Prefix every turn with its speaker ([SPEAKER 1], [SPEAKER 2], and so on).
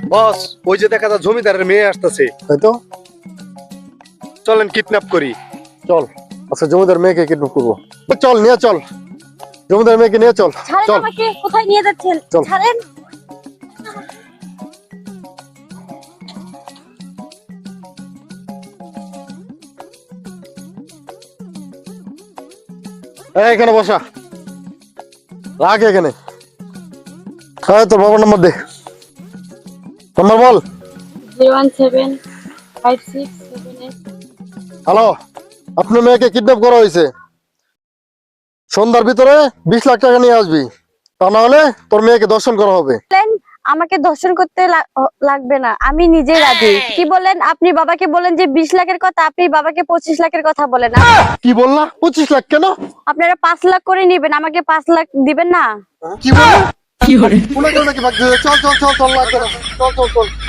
[SPEAKER 1] বস, ওই যে দেখা যায় জমিদারের মেয়ে আসতেছে।
[SPEAKER 2] তাই তো,
[SPEAKER 1] চলেন কিডন্যাপ করি।
[SPEAKER 2] চল আচ্ছা জমিদার মেয়েকে কিডন্যাপ করবো। চল নিয়ে চল, জমিদার মেয়েকে নিয়ে চল।
[SPEAKER 3] ছাড়েন
[SPEAKER 2] চল
[SPEAKER 3] আমাকে, কোথায় নিয়ে যাচ্ছেন?
[SPEAKER 2] চল।
[SPEAKER 3] ছাড়েন।
[SPEAKER 2] এখানে বসা, রাখ এখানে। হ্যাঁ তোর বাবার নম্বর দে, নম্বর বল।
[SPEAKER 3] 0175678।
[SPEAKER 2] হ্যালো, আপনার মেয়েকে কিডন্যাপ করা হয়েছে। সন্ধ্যার ভিতরে 20 লাখ টাকা নিয়ে আসবি, তা না হলে তোর মেয়েকে দর্শন করা হবে।
[SPEAKER 3] বলেন, আমাকে দর্শন করতে লাগবে না, আমি নিজেই রাজি। কি বলেন? আপনি বাবাকে বলেন যে 20 লাখের কথা, আপনি বাবাকে 25 লাখের কথা বলেন।
[SPEAKER 2] কি বললা? 25 লাখ কেন?
[SPEAKER 3] আপনারা 5 লাখ করে নিবেন, আমাকে 5 লাখ দিবেন না?
[SPEAKER 2] কি বললা? কি করে? চল চল চল চল, লাগবে না। চল চল চল।